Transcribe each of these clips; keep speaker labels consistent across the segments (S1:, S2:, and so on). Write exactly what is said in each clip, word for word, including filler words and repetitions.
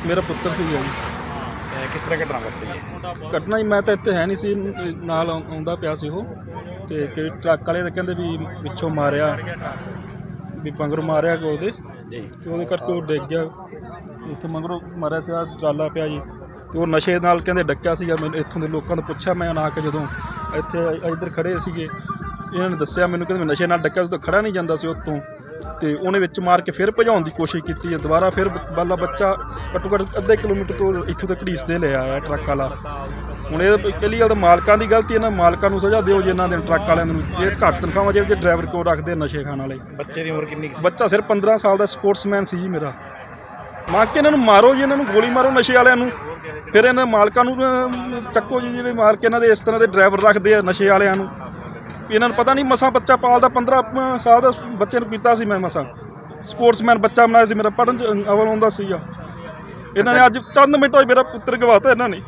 S1: ਮੇਰਾ ਪੁੱਤਰ ਸੀ ਜੀ।
S2: ਕਿਸ ਤਰ੍ਹਾਂ ਘਟਨਾ ਵਾਪਰੀ ਹੈ?
S1: ਘਟਨਾ ਹੀ ਮੈਂ ਤਾਂ ਇੱਥੇ ਹੈ ਨਹੀਂ ਸੀ, ਨਾਲ ਆਉਂ- ਆਉਂਦਾ ਪਿਆ ਸੀ ਉਹ, ਤੇ ਕਿ ਟਰੱਕ ਵਾਲੇ ਤਾਂ ਕਹਿੰਦੇ ਵੀ ਪਿੱਛੋਂ ਮਾਰਿਆ, ਵੀ ਮਗਰੋਂ ਮਾਰਿਆ ਕਿ ਉਹਦੇ,
S2: ਜੀ
S1: ਤੇ ਉਹਦੇ ਕਰਕੇ ਉਹ ਡਿੱਗ ਗਿਆ। ਇੱਥੇ ਮਗਰੋਂ ਮਾਰਿਆ ਸੀ, ਆਹ ਟਰਾਲਾ ਪਿਆ ਜੀ, ਤੇ ਉਹ ਨਸ਼ੇ ਨਾਲ ਕਹਿੰਦੇ ਡੱਕਿਆ ਸੀਗਾ। ਮੈਨੂੰ ਇੱਥੋਂ ਦੇ ਲੋਕਾਂ ਨੇ ਪੁੱਛਿਆ, ਮੈਂ ਨਾ ਕੇ ਜਦੋਂ ਇੱਥੇ ਇੱਧਰ ਖੜੇ ਸੀਗੇ, ਇਹਨਾਂ ਨੇ ਦੱਸਿਆ ਮੈਨੂੰ, ਕਹਿੰਦੇ ਮੈਂ ਨਸ਼ੇ ਨਾਲ ਡੱਕਿਆ ਸੀ, ਤਾਂ ਖੜਾ ਨਹੀਂ ਜਾਂਦਾ ਸੀ ਉੱਤੋਂ, ਤੇ ਉਹਨੇ ਵਿੱਚ ਮਾਰ ਕੇ ਫਿਰ ਭਜਾਉਣ ਦੀ ਕੋਸ਼ਿਸ਼ ਕੀਤੀ ਹੈ। ਦੁਬਾਰਾ ਫਿਰ ਬਾਲਾ ਬੱਚਾ ਘੱਟੋ ਘੱਟ ਅੱਧੇ ਕਿਲੋਮੀਟਰ ਤੋਂ ਇੱਥੋਂ ਤੱਕ ਘੜੀਸਦੇ ਲੈ ਆਇਆ ਟਰੱਕ ਵਾਲਾ। ਹੁਣ ਇਹ ਪਹਿਲੀ ਗੱਲ ਤਾਂ ਮਾਲਕਾਂ ਦੀ ਗਲਤੀ, ਇਹਨਾਂ ਮਾਲਕਾਂ ਨੂੰ ਸਜ਼ਾ ਦਿਓ ਜੀ, ਇਹਨਾਂ ਦੇ ਟਰੱਕ ਵਾਲਿਆਂ ਨੂੰ। ਇਹ ਘੱਟ ਤਨਖਾਹਾਂ ਜੇ ਡਰਾਈਵਰ ਕਿਉਂ ਰੱਖਦੇ ਨਸ਼ੇ ਖਾਣ ਵਾਲੇ।
S2: ਬੱਚੇ ਦੀ ਉਮਰ ਕਿੰਨੀ ਕੁ ਸੀ?
S1: ਬੱਚਾ ਸਿਰਫ ਪੰਦਰਾਂ ਸਾਲ ਦਾ ਸਪੋਰਟਸਮੈਨ ਸੀ ਜੀ ਮੇਰਾ। ਮਾਰ ਕੇ ਇਹਨਾਂ ਨੂੰ ਮਾਰੋ ਜੀ, ਇਹਨਾਂ ਨੂੰ ਗੋਲੀ ਮਾਰੋ ਨਸ਼ੇ ਵਾਲਿਆਂ ਨੂੰ, ਫਿਰ ਇਹਨਾਂ ਮਾਲਕਾਂ ਨੂੰ ਅਹ, ਚੱਕੋ ਜੀ, ਜਿਹੜੇ ਮਾਰ ਕੇ ਇਹਨਾਂ ਦੇ ਇਸ ਤਰ੍ਹਾਂ ਦੇ ਡਰਾਈਵਰ ਰੱਖਦੇ ਆ ਨਸ਼ੇ ਵਾਲਿਆਂ ਨੂੰ। ਇਹਨਾਂ ਨੂੰ ਪਤਾ ਨਹੀਂ ਮਸਾਂ ਬੱਚਾ ਪਾਲਦਾ, ਪੰਦਰਾਂ ਸਾਲ ਦਾ ਬੱਚੇ ਨੂੰ ਕੀਤਾ ਸੀ ਮੈਂ ਮਸਾਂ। ਸਪੋਰਟਸਮੈਨ ਬੱਚਾ ਬਣਾਇਆ ਸੀ ਮੇਰਾ, ਪੜ੍ਹਨ 'ਚ ਅਵਲ ਆਉਂਦਾ ਸੀਗਾ। ਇਹਨਾਂ ਨੇ ਅੱਜ ਚੰਦ ਮਿੰਟਾਂ 'ਚ ਮੇਰਾ ਪੁੱਤਰ ਗਵਾਤਾ। ਇਹਨਾਂ ਨੇ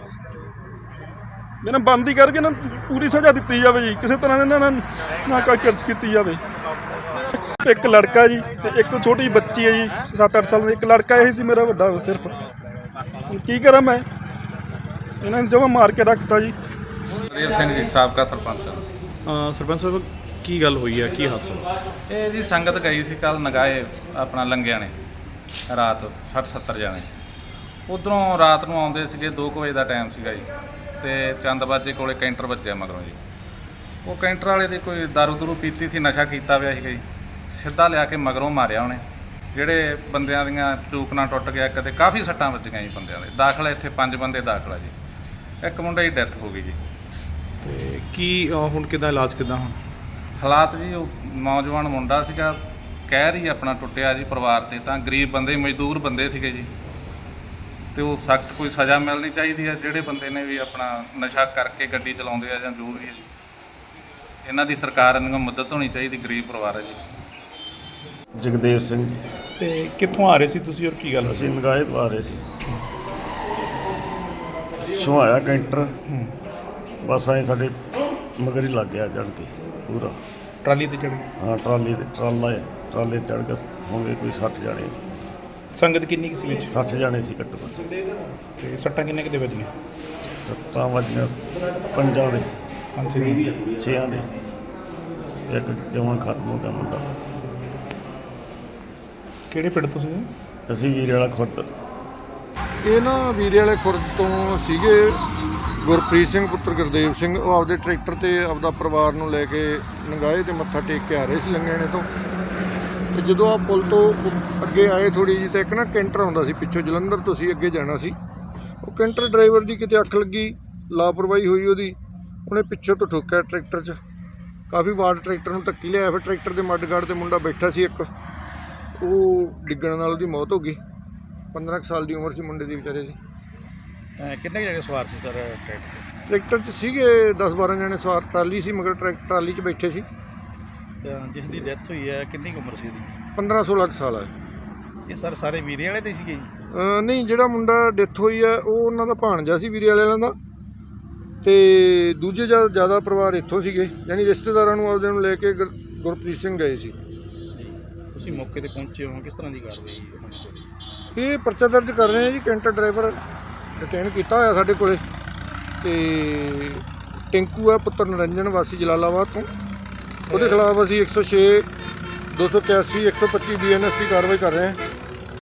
S1: ਇਹਨਾਂ ਬੰਦੀ ਕਰਕੇ ਇਹਨਾਂ ਨੂੰ ਪੂਰੀ ਸਜ਼ਾ ਦਿੱਤੀ ਜਾਵੇ ਜੀ, ਕਿਸੇ ਤਰ੍ਹਾਂ ਇਹਨਾਂ ਨਾਲ ਨਾ ਕੋਈ ਕਿਰਚ ਕੀਤੀ ਜਾਵੇ। ਇੱਕ ਲੜਕਾ ਜੀ ਤੇ ਇੱਕ ਛੋਟੀ ਬੱਚੀ ਹੈ ਜੀ, ਸੱਤ ਅੱਠ ਸਾਲ ਦੀ। ਇੱਕ ਲੜਕਾ ਇਹ ਸੀ ਮੇਰਾ ਵੱਡਾ ਸਿਰਫ। ਹੁਣ ਕੀ ਕਰਾਂ ਮੈਂ, ਇਹਨਾਂ ਨੇ ਜਮਾਂ ਮਾਰ ਕੇ ਰੱਖਤਾ ਜੀ।
S3: ਦੇਵ ਸਿੰਘ ਜੀ, ਸਾਬਕਾ ਸਰਪੰਚ।
S2: ਸਰਪੰਚ ਸਾਹਿਬ ਕੀ ਗੱਲ ਹੋਈ ਹੈ, ਕੀ ਹਾਦਸਾ?
S3: ਇਹ ਜੀ ਸੰਗਤ ਗਈ ਸੀ ਕੱਲ ਨਗਾਏ ਆਪਣਾ ਲੰਗਿਆਂ ਨੇ, ਰਾਤ ਸੱਠ ਸੱਤਰ ਜਾਣੇ ਉੱਧਰੋਂ ਰਾਤ ਨੂੰ ਆਉਂਦੇ ਸੀਗੇ। ਦੋ ਕੁ ਵਜੇ ਦਾ ਟਾਈਮ ਸੀਗਾ ਜੀ, ਤੇ ਚੰਦਬਾਜੇ ਕੋਲੇ ਕੈਂਟਰ ਵੱਜਿਆ ਮਗਰੋਂ ਜੀ। ਉਹ ਕੈਂਟਰ ਵਾਲੇ ਦੀ ਕੋਈ ਦਾਰੂ ਦੂਰੂ ਪੀਤੀ ਸੀ, ਨਸ਼ਾ ਕੀਤਾ ਹੋਇਆ ਸੀਗਾ ਜੀ। ਸਿੱਧਾ ਲਿਆ ਕੇ ਮਗਰੋਂ ਮਾਰਿਆ ਉਹਨੇ। ਜਿਹੜੇ ਬੰਦਿਆਂ ਦੀਆਂ ਚੂਕਣਾ ਟੁੱਟ ਗਿਆ, ਕਦੇ ਕਾਫੀ ਸੱਟਾਂ ਵੱਜੀਆਂ ਜੀ ਬੰਦਿਆਂ ਦੇ। ਦਾਖਲਾ ਇੱਥੇ ਪੰਜ ਬੰਦੇ ਦਾਖਲਾ ਜੀ, ਇੱਕ ਮੁੰਡੇ ਦੀ ਡੈਥ ਹੋ ਗਈ ਜੀ।
S2: ਤੇ ਕੀ ਅਹ, ਹੁਣ ਕਿੱਦਾਂ ਇਲਾਜ ਕਿੱਦਾਂ ਹੁਣ?
S3: ਹਾਲਾਤ ਜੀ, ਉਹ ਨੌਜਵਾਨ ਮੁੰਡਾ ਸੀਗਾ, ਕਹਿਰ ਹੀ ਆਪਣਾ ਟੁੱਟਿਆ ਜੀ ਪਰਿਵਾਰ 'ਤੇ। ਤਾਂ ਗਰੀਬ ਬੰਦੇ, ਮਜ਼ਦੂਰ ਬੰਦੇ ਸੀਗੇ ਜੀ, ਤੇ ਉਹ ਸਖਤ ਕੋਈ ਸਜ਼ਾ ਮਿਲਣੀ ਚਾਹੀਦੀ ਹੈ ਜਿਹੜੇ ਬੰਦੇ ਨੇ ਵੀ ਆਪਣਾ ਨਸ਼ਾ ਕਰਕੇ ਗੱਡੀ ਚਲਾਉਂਦੇ ਆ ਜਾਂ ਜੋ ਵੀ ਹੈ ਜੀ। ਇਹਨਾਂ ਦੀ ਸਰਕਾਰ ਨੂੰ ਮਦਦ ਹੋਣੀ ਚਾਹੀਦੀ, ਗਰੀਬ ਪਰਿਵਾਰ ਹੈ ਜੀ।
S4: ਜਗਦੇਵ ਸਿੰਘ ਜੀ।
S2: ਤੇ ਕਿੱਥੋਂ ਆ ਰਹੇ ਸੀ ਤੁਸੀਂ ਔਰ ਕੀ ਗੱਲ
S4: ਅਸੀਂ
S2: ਹੋਈ?
S4: ਨਗਾਏ ਤੋਂ ਆ ਰਹੇ ਸੀ, ਸੁਹਾਇਆ ਕੈਂਟਰ ਬਸ ਐਂ ਸਾਡੇ ਮਗਰ ਹੀ ਲੱਗ ਗਿਆ ਚੜ੍ਹ ਕੇ ਪੂਰਾ।
S2: ਟਰਾਲੀ ਤੇ ਚੜ੍ਹ
S4: ਹਾਂ, ਟਰਾਲੀ ਤੇ ਟਰਾਲਾ ਹੈ, ਟਰਾਲੇ ਤੇ ਚੜ੍ਹ ਕੇ ਹੋਣਗੇ ਕੋਈ ਸੱਠ ਜਾਣੇ।
S2: ਸੰਗਤ ਕਿੰਨੀ ਕੁ ਸੀ ਵਿੱਚ?
S4: ਸੱਠ ਜਾਣੇ ਸੀ ਘੱਟੋ ਘੱਟ।
S2: ਤੇ ਸੱਟਾਂ ਕਿੰਨੇ ਕਿਤੇ ਵੱਜੀਆਂ?
S4: ਸੱਤਾਂ ਵੱਜੀਆਂ ਪੰਜਾਂ ਦੇ,
S2: ਪੰਜ ਛੇ।
S4: ਛੇਆਂ ਦੇ। ਇੱਕ ਜਮਾਂ ਖਤਮ ਹੋ ਗਿਆ ਮੁੰਡਾ।
S2: ਕਿਹੜੇ ਪਿੰਡ ਤੋਂ ਸੀ?
S4: ਅਸੀਂ ਵੀਰੇ ਵਾਲਾ ਖੁਰਦ।
S5: ਇਹ ਨਾ ਵੀਰੇ ਵਾਲੇ ਖੁਰਦ ਤੋਂ ਸੀਗੇ। ਗੁਰਪ੍ਰੀਤ ਸਿੰਘ ਪੁੱਤਰ ਗੁਰਦੇਵ ਸਿੰਘ, ਉਹ ਆਪਦੇ ਟਰੈਕਟਰ 'ਤੇ ਆਪਦਾ ਪਰਿਵਾਰ ਨੂੰ ਲੈ ਕੇ ਨਗਾਏ 'ਤੇ ਮੱਥਾ ਟੇਕ ਕੇ ਆ ਰਹੇ ਸੀ ਲੰਗਿਆਣੇ ਤੋਂ। ਤੇ ਜਦੋਂ ਆ ਪੁਲ ਤੋਂ ਅੱਗੇ ਆਏ ਥੋੜ੍ਹੀ ਜਿਹੀ, ਤਾਂ ਇੱਕ ਨਾ ਕੈਂਟਰ ਆਉਂਦਾ ਸੀ ਪਿੱਛੋਂ, ਜਲੰਧਰ ਤੋਂ ਸੀ, ਅੱਗੇ ਜਾਣਾ ਸੀ। ਉਹ ਕੈਂਟਰ ਡਰਾਈਵਰ ਦੀ ਕਿਤੇ ਅੱਖ ਲੱਗੀ, ਲਾਪਰਵਾਹੀ ਹੋਈ ਉਹਦੀ, ਉਹਨੇ ਪਿੱਛੋਂ ਤੋਂ ਠੋਕਿਆ ਟਰੈਕਟਰ 'ਚ। ਕਾਫੀ ਵਾਰ ਟਰੈਕਟਰ ਨੂੰ ਧੱਕੀ ਲਿਆਇਆ। ਫਿਰ ਟਰੈਕਟਰ ਦੇ ਮੱਡਗਾਰਡ 'ਤੇ ਮੁੰਡਾ ਬੈਠਾ ਸੀ ਇੱਕ, ਉਹ ਡਿੱਗਣ ਨਾਲ ਉਹਦੀ ਮੌਤ ਹੋ ਗਈ। ਪੰਦਰਾਂ ਕੁ ਸਾਲ ਦੀ ਉਮਰ ਸੀ ਮੁੰਡੇ ਦੀ ਵਿਚਾਰੇ ਦੀ।
S2: ਕਿੰਨੇ ਕੁ ਜਣੇ ਸਵਾਰ ਸੀ ਸਰ ਟਰੈਕਟਰ?
S5: ਟਰੈਕਟਰ 'ਚ ਸੀਗੇ ਦਸ ਬਾਰਾਂ ਜਣੇ ਸਵਾਰ। ਟਰਾਲੀ ਸੀ ਮਗਰ, ਟਰੈਕ ਟਰਾਲੀ 'ਚ ਬੈਠੇ ਸੀ।
S2: ਜਿਸ ਦੀ ਡੈਥ ਹੋਈ ਹੈ ਕਿੰਨੀ ਕੁ ਉਮਰ ਸੀ ਉਹਦੀ?
S5: ਪੰਦਰਾਂ ਸੋਲਾਂ ਕੁ ਸਾਲ ਹੈ।
S2: ਇਹ ਸਰ ਸਾਰੇ ਵੀਰੇ ਵਾਲੇ ਦੇ ਸੀਗੇ ਜੀ?
S5: ਅਹ ਨਹੀਂ, ਜਿਹੜਾ ਮੁੰਡਾ ਡੈਥ ਹੋਈ ਹੈ ਉਹ ਉਹਨਾਂ ਦਾ ਭਾਣਜਾ ਸੀ ਵੀਰੇ ਵਾਲਿਆਂ ਦਾ, ਤੇ ਦੂਜੇ ਜ਼ਿਆਦਾ ਜ਼ਿਆਦਾ ਪਰਿਵਾਰ ਇੱਥੋਂ ਸੀਗੇ, ਯਾਨੀ ਰਿਸ਼ਤੇਦਾਰਾਂ ਨੂੰ ਆਪਦੇ ਨੂੰ ਲੈ ਕੇ ਗੁਰ- ਗੁਰਪ੍ਰੀਤ ਸਿੰਘ ਗਏ ਸੀ।
S2: ਤੁਸੀਂ ਮੌਕੇ ਤੇ ਪਹੁੰਚੇ ਹੋ, ਕਿਸ ਤਰ੍ਹਾਂ ਦੀ ਕਾਰਵਾਈ?
S5: ਇਹ ਪਰਚਾ ਦਰਜ ਕਰ ਰਹੇ ਹਾਂ ਜੀ। ਕੈਂਟਰ ਡਰਾਈਵਰ ਡਿਟੇਨ ਕੀਤਾ ਹੋਇਆ ਸਾਡੇ ਕੋਲੇ, ਤੇ ਟਿੰਕੂ ਹੈ ਪੁੱਤਰ ਨਰਿੰਜਨ ਵਾਸੀ ਜਲਾਲਾਬਾਦ ਤੋਂ। ਉਹਦੇ ਖਿਲਾਫ ਅਸੀਂ ਇੱਕ ਸੌ ਛੇ, ਦੋ ਸੌ ਇਕਿਆਸੀ, ਇੱਕ ਸੌ ਪੱਚੀ ਬੀ ਐਨ ਐਸ ਦੀ ਕਾਰਵਾਈ ਕਰ ਰਹੇ ਹਾਂ।